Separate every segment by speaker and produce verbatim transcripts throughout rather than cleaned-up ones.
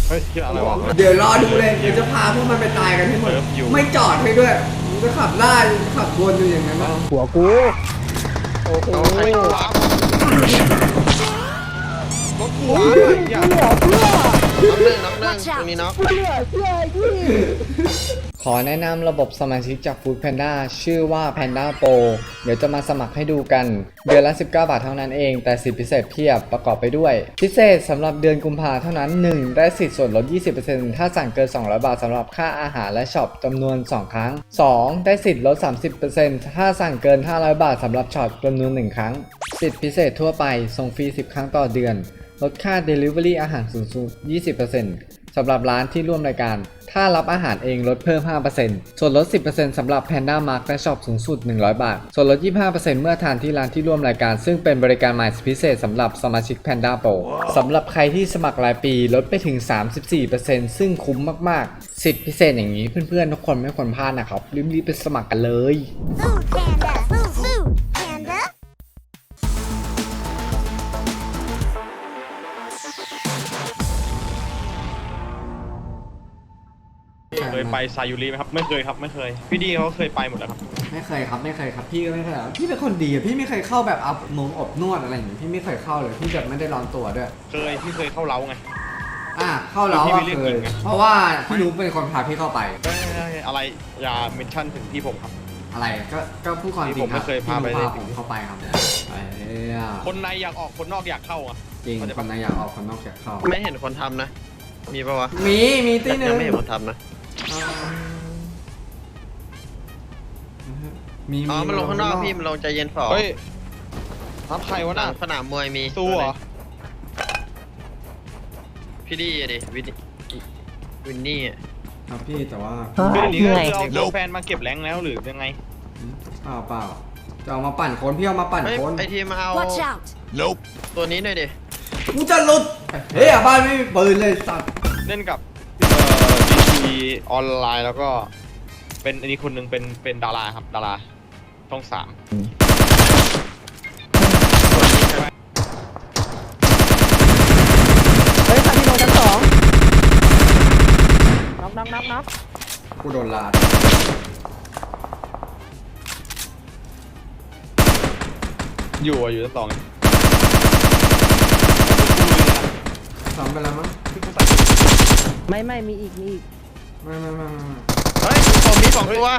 Speaker 1: เฮ้ยอะไรวะ
Speaker 2: เดี๋ยวรอดูเลยเดี๋ยวจะพาพวกมันไปตายกันให้หมดไม่จอดให้ด้วยจะขับไล่ขับวนอยู่อย่างนั้นนะ
Speaker 3: หัวกูโอเคร
Speaker 1: ถกูอะไรอย่างเงี้ย
Speaker 4: น็อกหนึ่งน็อกหนึ่งตรงนี้น็อก
Speaker 5: ขอแนะนำระบบสมาชิกจาก Food Panda ชื่อว่า Panda Pro เดี๋ยวจะมาสมัครให้ดูกันเดือนละสิบเก้าบาทเท่านั้นเองแต่สิทธิพิเศษเพียบประกอบไปด้วยพิเศษสำหรับเดือนกุมภาเท่านั้น หนึ่ง ได้สิทธิ์ส่วนลด ยี่สิบเปอร์เซ็นต์ ถ้าสั่งเกินสองร้อยบาทสำหรับค่าอาหารและช็อปจำนวนสองครั้ง สอง ได้สิทธิ์ลด สามสิบเปอร์เซ็นต์ ถ้าสั่งเกินห้าร้อยบาทสำหรับช็อปจำนวนหนึ่งครั้งสิทธิพิเศษทั่วไปส่งฟรีสิบครั้งต่อเดือนลดค่า Delivery อาหารสูงสุด ยี่สิบเปอร์เซ็นต์ สำหรับร้านที่ร่วมรายการถ้ารับอาหารเองลดเพิ่ม ห้าเปอร์เซ็นต์ ส่วนลด สิบเปอร์เซ็นต์ สำหรับ Panda Mart และช็อปสูงสุด หนึ่งร้อยบาท ส่วนลด ยี่สิบห้าเปอร์เซ็นต์ เมื่อทานที่ร้านที่ร่วมรายการซึ่งเป็นบริการใหม่พิเศษสำหรับสมาชิก Panda Pro สำหรับใครที่สมัครรายปีลดไปถึง สามสิบสี่เปอร์เซ็นต์ ซึ่งคุ้มมากๆสิทธิพิเศษอย่างนี้เพื่อนๆทุกคนไม่ควรพลาดนะครับรีบๆไปสมัครกันเลย
Speaker 6: Food Panda Food Food Panda
Speaker 1: เคยไปซายูริไหมครับไม่เคยครับไม่เคยพี่ดีเขาเคยไปหมดแล้วครับ
Speaker 2: ไม่เคยครับไม่เคยครับพี่ก็ไม่เคยพี่เป็นคนดีพี่ไม่เคยเข้าแบบอับมงอบนวดอะไรอย่างงี้พี่ไม่เคยเข้าเลยพี่แบบไม่ได้ร้อนตัวด้วย
Speaker 1: เคยพี่เคยเข้าเล้าไง
Speaker 2: อ่ะเข้าเล้าอ่ะเคยเพราะว่าพี่นุ๊กเป็นคนพาพี่เข้าไป
Speaker 1: อะไรอย่าเมนชั่นถึงพี่ผมครับ
Speaker 2: อะไรก็ก็พูดความจริงครับ
Speaker 1: ผมไม่เคยพาไปเลย
Speaker 2: ผมเข้าไปครับไอ้
Speaker 1: คนในอยากออกคนนอกอยากเข้าอ่ะ
Speaker 2: จริงคนในอยากออกคนนอกอยากเข้า
Speaker 4: ไม่เห็นคนทำนะมีปะวะ
Speaker 2: มีมีตีนึง
Speaker 4: ยังไม่เห็นคนทำนะ
Speaker 2: มี
Speaker 4: อ๋อมันลงข้างนอกพี่มันลงใจเย็นฝ่อ
Speaker 1: เฮ้ยทับใครวะน่ะ
Speaker 4: สนามมวยมี
Speaker 1: สู้เหรอ
Speaker 4: พี่ดีดิวินวินนี่อ่ะ
Speaker 2: ครับพี่แต่ว่า
Speaker 1: คือนี้ก็คือเอาแฟนมาเก็บแรงแล้วหรือยังไง
Speaker 2: เปล่าเปล่าจะเอามาปั่นคนพี่เอามาปั่นคน
Speaker 4: ไอทีมาเอาตัวนี้หน่อยดิ
Speaker 2: กูจะหลุดเฮ้ยบ้านไม่มีปืนเลยสัตว์
Speaker 1: เล่นกับเอ่อ ดี ที ออนไลน์แล้วก็เป็นอันนี้คนหนึ่งเป็นเป็นดาราครับดาราช่องสาม
Speaker 3: เฮ้ยคันที่ลงชั้นสองน็อกน็อกน็อกน็อก
Speaker 2: กูโดนลาด
Speaker 1: อยู่อ่ะอยู่ชั้นสอง
Speaker 2: สองไปแล้วมั้ง
Speaker 3: ไม่ไม่มีอีกมีอีก
Speaker 2: ไม่ไม่ไม่ไม่
Speaker 4: เฮ้ยผมมีสองตัว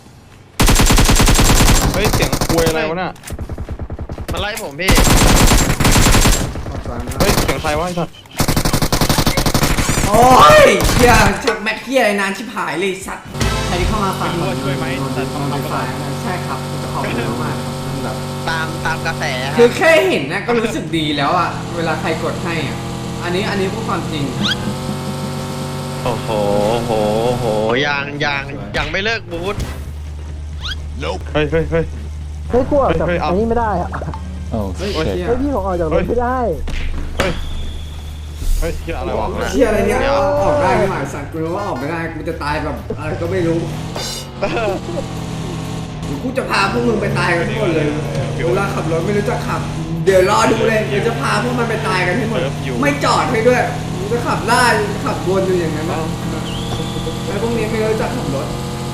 Speaker 1: เฮ้ยเสียงคุยอะไรวะน่ะ
Speaker 4: มาไล่ผมพี่
Speaker 1: เฮ้ยเสียงใครวะไอ้สัตว์
Speaker 2: โอ้ยเฮียชักแม็กเฮียอะไรนานชิบหายเลยสัตว์ใครที่เข้ามาฝาก
Speaker 1: ช่วยช่วยไหมแต่
Speaker 2: ต้องมาฝากใช่ครับจะขอบคุณมากครับแบบ
Speaker 4: ตามตามกระแส
Speaker 2: คือแค่เห็นนะก็รู้สึกดีแล้วอ่ะเวลาใครกดให้อ่ะอันนี้อันนี้พูดความจริง
Speaker 4: โอ้โหโหโหยังยังยังไม่เลิกบูธ
Speaker 1: เฮ้ยเฮ้ยเฮ้ย
Speaker 3: เฮ้ยกูออกจากอันนี้ไม่ได้อะ
Speaker 2: เฮ้ย
Speaker 3: เฮ้ยพี่ผมออกจากรถไม่ได้
Speaker 1: เฮ้ยเฮ้ยเชี่ยอะไรวะ
Speaker 2: เชี่ยอะไรเนี่ยออกได้ไหมสัตว์กูรู้ว่าออกไม่ได้กูจะตายแบบอะไรก็ไม่รู้กูจะพาพวกมึงไปตายกันทั้งหมดเลยเวลาขับรถไม่รู้จะขับเดี๋ยวรอดูเลยเดี๋ยวจะพาพวกมันไปตายกันทั้งหมดไม่จอดให้ด้วยจะขับไล่ขับวนอยู่อย่างนั้นนะไอ้พวกนี้ไม่รู้จักขับรถ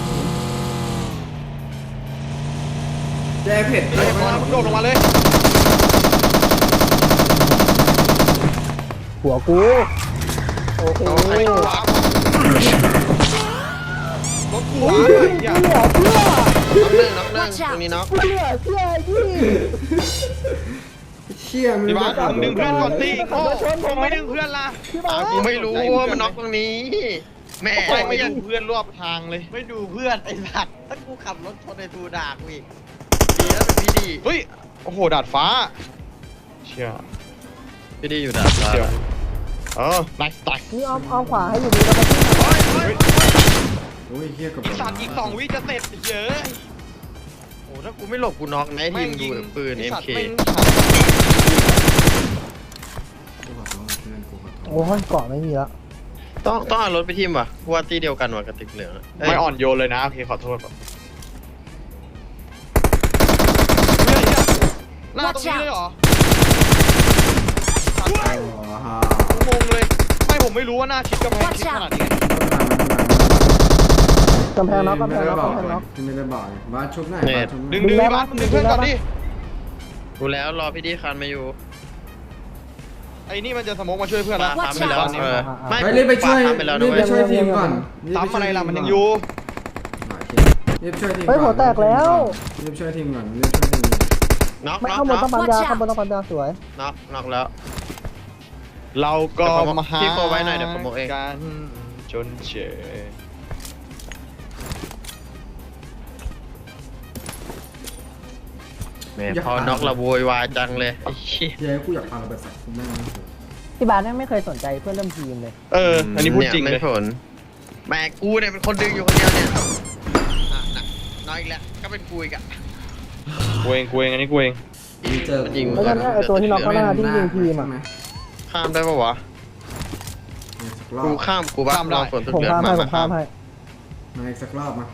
Speaker 2: แย่เผ็ด
Speaker 1: ไอ้บอลโดดลงมาเลย
Speaker 3: หัวกูโอเค
Speaker 1: รถกูอะไรอย่างเงี้ย
Speaker 4: น็อกหนึ่งน็อกหนึ่งตรงนี้น็อก
Speaker 3: เชื่อเชื่อยี่
Speaker 2: เชี่ยมึง
Speaker 1: พี่บ้านมึงดึงเพื่อนก่อนสิโอ้ผมไม่ดึงเพื่อนล่ะ
Speaker 4: กูไม่รู้ว่ามันน็อกตรงนี้แม่
Speaker 1: ไม่ยังเพื่อนรอบทางเลย
Speaker 4: ไม่ดูเพื่อนไอ้สัตว์ถ้ากูขับรถชนในทูด่ากูอีกดีแล้วเป็นพี่ดี
Speaker 1: เฮ้ยโอ้โหดาดฟ้าเชี่ย
Speaker 4: พี่ดีอยู่ดาดฟ้า
Speaker 1: เออไนส์ไนส์
Speaker 3: นี่อ้อมอ้อมขวาให้อยู่นี่แล้วก็
Speaker 2: โอ้ยเฮียกับ
Speaker 1: สัตว์อีกสองวิจะเสร็จเยอะ
Speaker 4: โอ้ถ้ากูไม่หลบกูน็อกนะทีมดูปืน เอ็ม เค
Speaker 3: โอ้ยเกาะไม่มีแล้ว
Speaker 4: ต้องต้องเอารถไปทีมว่ะว่าตีเดียวกันว่ะกระติกเหลือง
Speaker 1: ไม่อ่อนโยนเลยนะโอเคขอโทษแบบหน้าตรงนี้เลยเหรองงเลยไม่ผมผมไม่รู้ว่าหน้าชิดกำแพงชิดขนาดนี้
Speaker 3: กำแพงน็อกกำแพ
Speaker 2: ไม่
Speaker 3: ง
Speaker 2: ได้
Speaker 3: น็อก
Speaker 2: บอก
Speaker 3: กำแพง
Speaker 2: เล
Speaker 3: น็
Speaker 2: ย
Speaker 3: อก
Speaker 2: ที่ไม่ได้บอกเลยบ้านชุบไหน
Speaker 4: เนี่ย
Speaker 2: บ้านชุบไหน
Speaker 1: ดึงดึงพี่บ้านดึงเพื่อนก่อนดิ
Speaker 4: กูแล้วรอพี่ดีคันมาอยู่
Speaker 1: ไอ้นี่มันจะสโมกมาช่วยเพื่อน
Speaker 4: ปา
Speaker 1: นะ
Speaker 4: ซ้ำไปแล้วเออไม่
Speaker 2: ไปรีบไปช่วย
Speaker 4: ปาซ้ำไปแล้ว
Speaker 2: รี
Speaker 4: ด้
Speaker 2: บ
Speaker 4: ว
Speaker 2: ไป
Speaker 4: ย
Speaker 2: ช่วยทีมก่อนบ
Speaker 1: ซ้ำ
Speaker 2: ปช่ว
Speaker 1: อะไร
Speaker 2: ที
Speaker 1: ล่ะมันยัง
Speaker 2: ก่
Speaker 1: อยู่
Speaker 2: โอเครีบช่วยทีม
Speaker 3: เฮ้ยหัวแตกแล้ว
Speaker 2: รีบช่วยทีมก่อนรีบช่วยทีม
Speaker 4: น็อก
Speaker 3: ไม่
Speaker 4: น็อก
Speaker 3: ข้างบน
Speaker 4: น็
Speaker 3: ต้
Speaker 4: อ
Speaker 3: อก งปั๊มยาข้างบนต้องปั๊มยาสวย
Speaker 4: น็อกน็อกแล้ว
Speaker 1: เราก็มาหา
Speaker 4: พี่โฟไว้หน่อยเดี๋ยวผมบอกเอง
Speaker 1: กันจนเฉย
Speaker 4: แหม่พอน็อกละโวยวายจังเลยไอ้เหี้ย
Speaker 2: เย้กูอยากพาเราไปสักคุณแม่ง
Speaker 3: พี่บาสเนี่ยไม่เคยสนใจเพื่อนร่วมทีมเลย
Speaker 1: เออ อันนี้พูดจริง
Speaker 4: ไม่
Speaker 1: เลย
Speaker 4: ผลแม่กูเนี่ยเป็นคนดึงอยู่คนเดียวเนี่ยอ่ะน่ะน้อยอีกแล้วก็เป็นกูอีกอะ
Speaker 1: กูเองกูเองอันนี้กูเอง
Speaker 2: มีเจอ
Speaker 4: จริง
Speaker 3: แล้วก็เนี่ยไอตัวที่น็อกข้างหน้าที่ยิงทีมอ่ะ
Speaker 4: ข้ามได้ปะวะ
Speaker 2: สักรอ
Speaker 4: กู
Speaker 2: บ
Speaker 4: ข้ามกูบ้า
Speaker 1: ข้ามได้
Speaker 4: ลองฝนสุด
Speaker 3: ผม
Speaker 4: เดือด
Speaker 3: ข้าม
Speaker 4: มา
Speaker 3: ให้ผ
Speaker 4: มาม
Speaker 3: ข้ามให้
Speaker 2: มาอีกสักรอบมา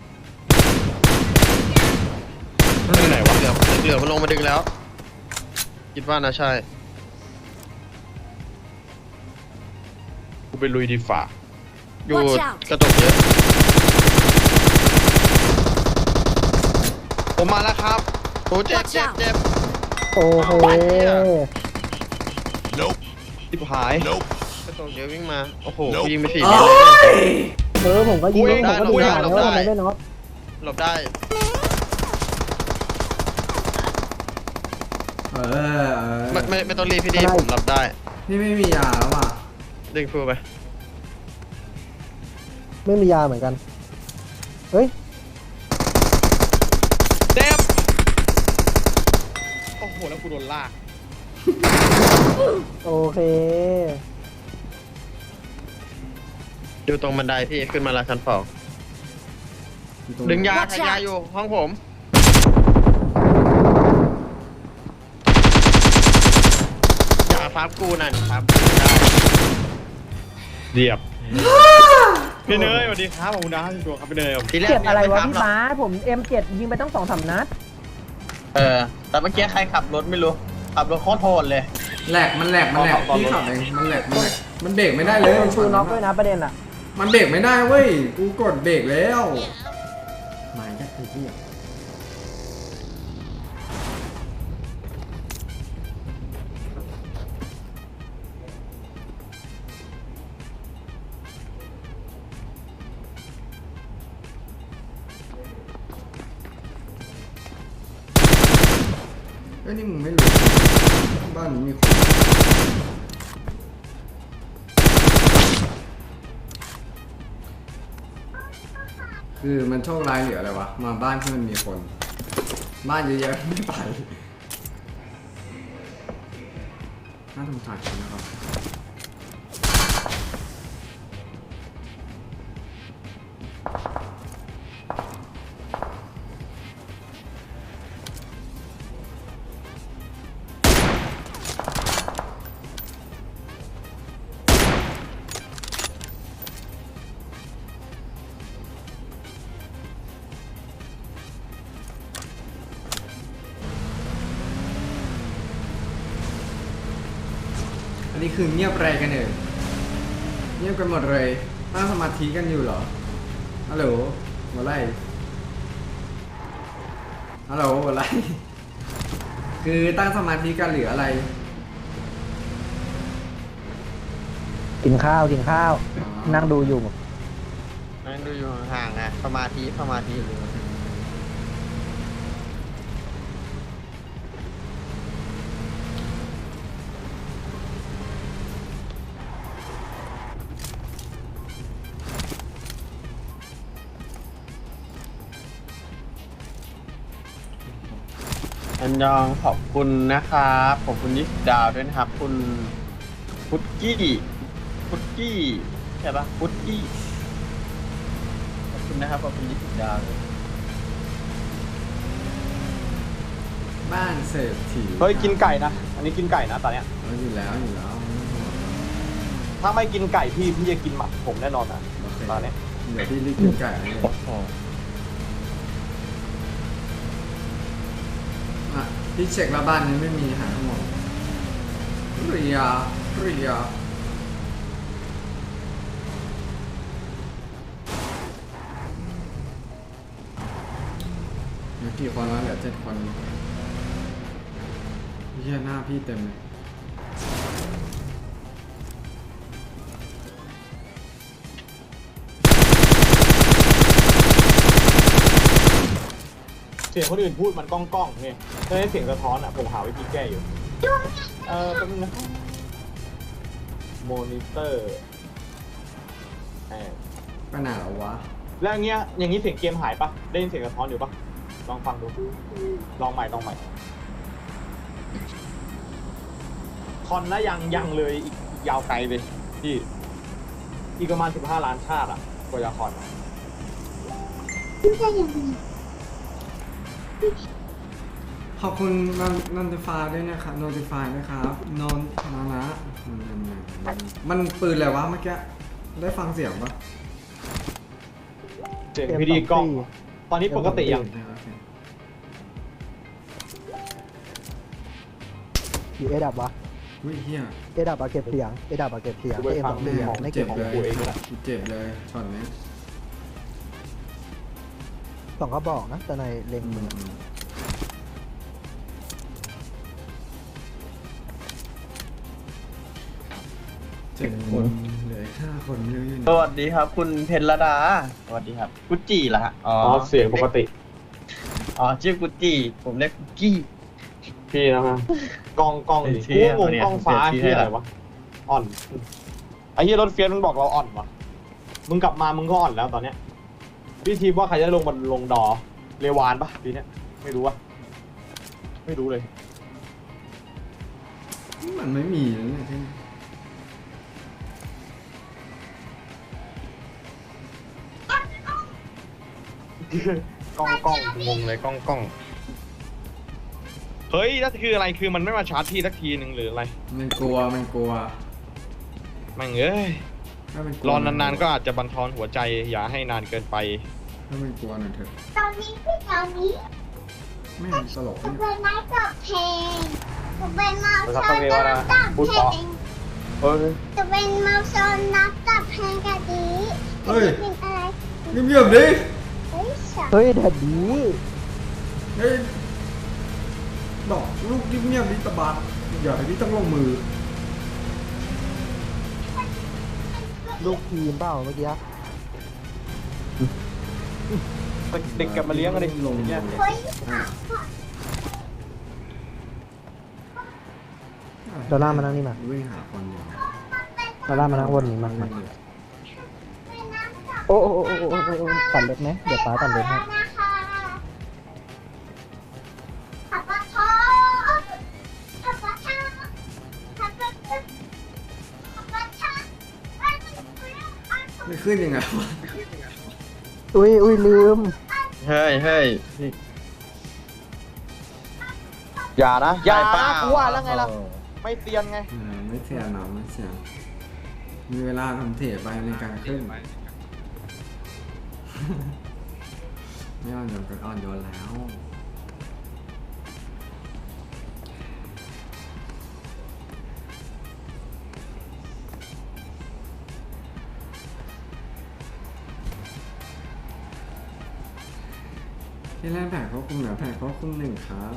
Speaker 1: ที่ไหนวะ
Speaker 4: เหลือเหลือมันลงมาดึงแล้ว คิดว่านะใช่
Speaker 1: กูไปลุยดีฝ่า
Speaker 4: อยู่
Speaker 6: Watch out
Speaker 4: กระจกเยอะ
Speaker 1: ผมมาแล้วครับ
Speaker 4: โอ้เจ็บ
Speaker 6: Watch
Speaker 4: เจ็บ
Speaker 6: out
Speaker 4: เจ็บ
Speaker 3: โอเค
Speaker 1: ทิบหาย
Speaker 4: กระจกเยอะวิ่งมาโอ้โหกูยิงไปสี่
Speaker 2: โอ้
Speaker 4: เมตรเลย
Speaker 2: ย
Speaker 3: เออผมก็ยิง
Speaker 1: อุ้ย
Speaker 3: ผมก็ดู
Speaker 1: ได้
Speaker 3: หา
Speaker 1: หล
Speaker 3: แล้ว
Speaker 1: บได้
Speaker 3: ว่าทำไมได้น็อก
Speaker 4: หลบได้
Speaker 2: เออเออ
Speaker 4: ไม่ไม่ไม่ต้องรีบพี่ดีผมหลบได้
Speaker 2: นี่ไม่มียาแล้วว่ะ
Speaker 4: ดึงฟูไป
Speaker 3: ไม่มียาเหมือนกัน เฮ้ย
Speaker 1: เจ็บโอ้โห แล้วกูโดนลาก
Speaker 3: โอเค
Speaker 4: อยู่ตรงบันไดพี่ขึ้นมาละชั้นสอง
Speaker 2: อยู่ตรง
Speaker 4: ดึงยา
Speaker 6: Watch
Speaker 4: ทายา
Speaker 6: out
Speaker 4: อยู่ห้องผม ยาฟับกูนั่นครับได้
Speaker 1: เดียบ พี่เนยสวัสดีครับขอบคุณนะที่ตัวครับพี่เนย
Speaker 4: ทีแรก
Speaker 3: เจ็บอะไรวะ
Speaker 4: ม่
Speaker 3: พี่
Speaker 4: ฟัหก
Speaker 3: บาสผม เอ็ม เจ็ด ยิงไปตั้งสองสามนัด
Speaker 4: เออ แต่เมื่อกี้ใครขับรถไม่รู้ ขับรถโคตรโหดเลย
Speaker 2: แหลกมันแหลกมันแหลกพี่ขับเองมันแหลกมันแหลกมันเบรกไม่ได้เลย
Speaker 3: โดนชูน็อกด้วยนะประเด็นอ่ะ
Speaker 2: มันเบรกไม่ได้เว้ยกูกดเบรกแล้วมาแค่คือที่ เอ้ยนี่มึงไม่รู้บ้านนี้มีคนคือมันโชคร้ายหรืออะไรวะ มาบ้านที่มันมีคน บ้านเยอะๆไม่ไปน่าสงสารคนนะครับอันนี้คือเงียบอะไรกันเอ่ยเงียบกันหมดเลยตั้งสมาธิกันอยู่เหรอฮัลโหลหัวไรฮัลโหลหัวไรคือตั้งสมาธิกันหรืออะไร
Speaker 3: กินข้าวกินข้าว
Speaker 2: อ๋อ
Speaker 3: นั่งดูอยู่
Speaker 4: นั่งดูอยู่ห่างๆไงสมาธิสมาธิ อันยองขอบคุณนะครับขอบคุณยี่สิบดาวด้วยนะครับ คุณพุทกี้พุทกี้ใช่ปะพุทกี้ขอบคุณนะครับขอบคุณยี่สิบดาวด้วย
Speaker 2: บ้านเศรษฐี
Speaker 1: เฮ้ย กินไก่นะ อันนี้กินไก่นะตอนเนี้ย
Speaker 2: เอาอยู่แล้วอยู่แล้ว
Speaker 1: ถ้าไม่กินไก่พี่พี่จะกินหมักผมแน่นอนนะ
Speaker 2: โอเค
Speaker 1: ตอนเนี้ย
Speaker 2: เดี๋ยวพี่รีบกินไก่เลยอ่ะพี่เช็คแล้วบ้านนี้ไม่มีหาทั้งหมดเรียเรียเหลือกี่คนแล้วเหลือเจ็ดคนเฮียหน้าพี่เต็มเลย
Speaker 7: เสียงคนอื่นพูดมันก้องก้องๆเนี่ยถ้าได้เสียงสะท้อนอ่ะผมหาวิธีแก้อยู่ เออแป๊บนึงนะโมนิเตอร์แอบ
Speaker 2: ไปไหนแล้ววะ
Speaker 7: แล้วอย่างเงี้ยอย่างนี้เสียงเกมหายปะได้ยินเสียงสะท้อนอยู่ปะลองฟังดู ลองใหม่ลองใหม่คอนนะยังยังเลยอีกอีกยาวไกลเลยพี่อีกประมาณสิบห้าล้านชาติอ่ะกว่าจะคอน
Speaker 2: ขอบคุณนนนนติฟายด้วยนะครับนนติฟายนะครับนนนานะมันปืนอะไรวะเมื่อกี้ได้ฟังเสียงปะ
Speaker 7: เสียงพีดีกล้อง ตอนนี้ปกติยัง
Speaker 3: อยู่เอดับวะ
Speaker 2: อุ้ยเฮีย
Speaker 3: เอดับอะเก็บเสียงเอดับอะเก็บเสียง
Speaker 7: กูไป
Speaker 3: เอ็ม
Speaker 7: ฟั
Speaker 3: ส
Speaker 7: ง
Speaker 3: องเสียง
Speaker 7: ของ
Speaker 3: ไม่
Speaker 2: เจ็
Speaker 3: เก็
Speaker 2: บบ เล
Speaker 3: ของ
Speaker 2: ย
Speaker 3: กู
Speaker 2: เจ็บเลยช็อตนี้
Speaker 3: สองก็บอกนะแต่ในเล็งมือ
Speaker 2: เจ็ดคนเหลือห้าคนอยู่
Speaker 4: สวัสดีครับ คุณเพญรดา สวัสดีครับ กุจจีเหรอฮะ อ๋อ
Speaker 7: อ๋อเสียงปกติ
Speaker 4: อ๋อ ชื่อกุจจีผมเรียกกุจกี้
Speaker 7: พี่นะฮะกล้องกล้องดิ
Speaker 4: เสีย
Speaker 7: กูงงกล้องฟ้า
Speaker 4: เสีย
Speaker 7: ที่อะไรวะ อ่อน ไอ้เหี้ยรถเฟียสมันบอกเราอ่อนวะมึงกลับมามึงก็อ่อนแล้วตอนเนี้ย พี่ทีมว่าใครจะลงบนลงดอ เรวานปะปีเนี้ย ไม่รู้วะไม่รู้เลย
Speaker 2: มันไม่มีแล้วเนี่ยที่
Speaker 7: กล้องกล้อง
Speaker 1: งงเลยกล้องกล้องเฮ้ยนั่นคืออะไรคือมันไม่มาชาร์จพี่สักทีหนึ่งหรืออะไร
Speaker 2: มันกลัวมันกลัว
Speaker 1: แม่งเอ้ย
Speaker 2: ถ้ามันกลัว
Speaker 1: รอนานๆก็อาจจะบันทอนหัวใจอย่าให้นานเกินไป
Speaker 2: ถ้ามันกลัวหน่อยเถอะ
Speaker 6: ตอนนี้คือตอนนี้
Speaker 2: แม่งตลก
Speaker 6: จะ
Speaker 2: เนี่ย
Speaker 6: เป็นนักกับเพลงจะเป็นมา
Speaker 7: ภาษา
Speaker 6: ซอน
Speaker 7: เทว
Speaker 6: นั
Speaker 7: ดาก
Speaker 6: กับ
Speaker 7: พูด
Speaker 6: เพ
Speaker 7: เพราะ
Speaker 6: ลง
Speaker 7: เฮ้ย
Speaker 6: จะเป็นมาซอนนักกับเพลงกะดี
Speaker 2: เฮ้ย
Speaker 6: เป็นอะไร
Speaker 2: เงียบๆดิ
Speaker 6: เฮ้ยสับ
Speaker 3: เฮ้ยแดดดี
Speaker 2: เฮ้ยบอกลูกเงียบๆดิตะบัดอย่าให้พี่ต้องลงมือ
Speaker 3: ลูกทีมเปล่าเมื่อกี้
Speaker 7: เด็กกลับมาเลี้ยงกันดิ
Speaker 2: ลงมือ
Speaker 7: เนี่ย
Speaker 6: เฮ้ย
Speaker 2: อ่ะ
Speaker 3: ดอลลาร์มานั่งนี่มา
Speaker 2: วิ่งหาคนอยู่
Speaker 3: ดอลลาร์มานั่งวนนี้มามา
Speaker 2: วิ่งเลย
Speaker 6: เป็นนักกับ
Speaker 3: โอ้โอ้โอ้โอ้โอ้โอ้โอ้ตัดเล็บไหมเดี๋ยวป้าตัดเล็บให้
Speaker 6: นะคะขับปะทอขับปะทอขับปะทอขับปะทอ
Speaker 2: ไม่ขึ้นยังไงวะ
Speaker 3: อุ้ยอุ้ยลืม
Speaker 4: เฮ้ยเฮ้ย
Speaker 1: อย่านะอย่า
Speaker 4: ได้เปล่
Speaker 1: นะกูว่าแล้วไงล่ะ ไม่เตียนไง
Speaker 2: เออไม่เสียหนอไม่เสียมีเวลาทำเทไปในการขึ้น ไม่อ่อนโยนก็อ่อนโยนแล้วที่แรกแผนควบคุมเหนือแผนควบคุมหนึ่งครับ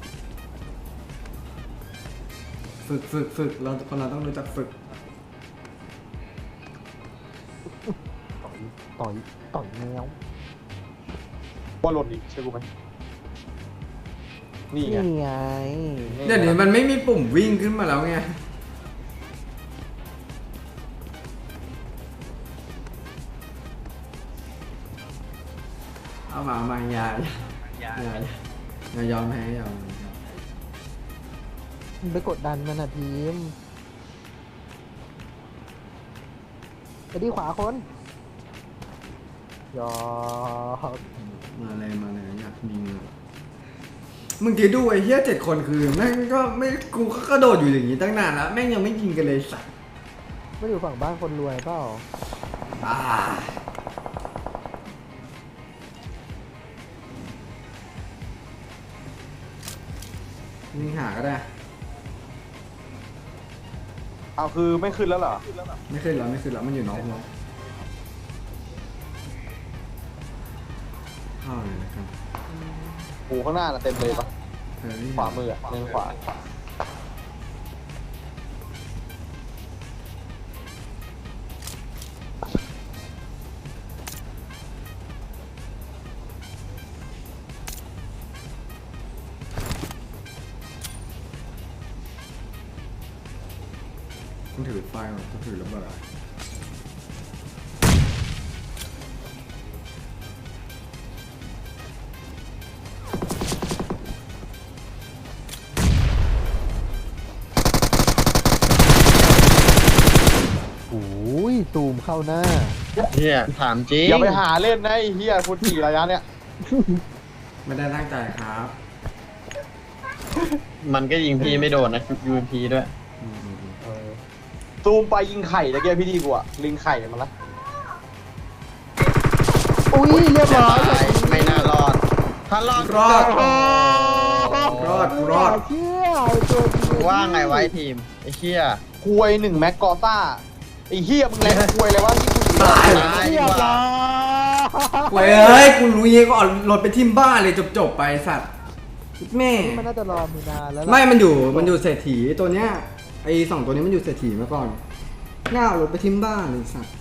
Speaker 2: ฝึกฝึกฝึกเราคนเราต้องรู้จักฝึก
Speaker 3: ต่อยต่อยแมว
Speaker 7: ว่าหล่นอีกใช่กูไหมนี่ไง
Speaker 3: นี่ไง
Speaker 2: เดี๋ยวนี้มันไม่มีปุ่มวิ่งขึ้นมาแล้วไง เอามาเอามาอย่าอย่าอย่าอย่ายอมแพ้อย่ายอมแพ้
Speaker 3: ไปกดดันมันนะทีมไปดีขวาคนยอก
Speaker 2: มาเลยมาเลยอยากยิงเลยมึงคิดดูไอ้เหี้ยเจ็ดคนคือแม่งก็ไม่กูก็กระโดดอยู่อย่างนี้ตั้งนานแล้วแม่งยังไม่ยิงกันเลยสัตว์
Speaker 3: ไม่อยู่ฝั่งบ้านคนรวยเปล่า
Speaker 2: บ้ายิงหาก็ได้
Speaker 7: เอาคือไม่ขึ้นแล้วเหรอ
Speaker 2: ไม่ขึ้นแล้วไม่ขึ้นแล้วมันอยู่นอกวงเข้าเลยนะครับ
Speaker 7: หูข้างหน้าน่ะเต็มเลยปะ
Speaker 2: เฮ้ย
Speaker 7: ขวามืออ่ะเลนขวา
Speaker 2: ต้องถือไฟก่อนต้องถือระเบิด
Speaker 3: โอ้ยตูมเข้าหน้า
Speaker 4: เฮียถามจริง
Speaker 7: อย่าไปหาเล่นนะไอ้เฮียคุณขี่ระยะเนี้ย
Speaker 2: ไม่ได้ตั้งใจครับ
Speaker 4: มันก็ยิงพี่ไม่โดนนะยูเอ็มพีด้วย
Speaker 7: ซูมไปยิงไข่ตะเกียบพี่ดีกว่าลิงไข่มันละ
Speaker 3: อุ้ยเรียบร้อย
Speaker 4: ตายไม่น่ารอด ถ้ารอด
Speaker 2: รอด
Speaker 4: ก็
Speaker 2: รอดรอด
Speaker 3: เชื่อไอ้ตัวจริง
Speaker 4: ว่าไงไว้ทีมไอ้เชี่ย
Speaker 7: ควยหนึ่งแม็กกอต้าไอ้เฮียมึงแรงควยเลยวะที่คุณ
Speaker 2: ตาย
Speaker 4: ตายดี
Speaker 3: เรียบ
Speaker 4: กว่า
Speaker 3: ร้อย
Speaker 2: เฮ้ยกูรู้ยังก็เอารถไปทิมบ้านเลยจบๆไปสัตว์แม่
Speaker 3: นี่มันน่าจะรอมีนานแล้วล่ะ
Speaker 2: ไม่มันอยู่มันอยู่เศรษฐีตัวเนี้ยไอสองตัวนี้มันอยู่เศรษฐีมาก่อนน่าเอารถไปทิมบ้านเลยสัตว์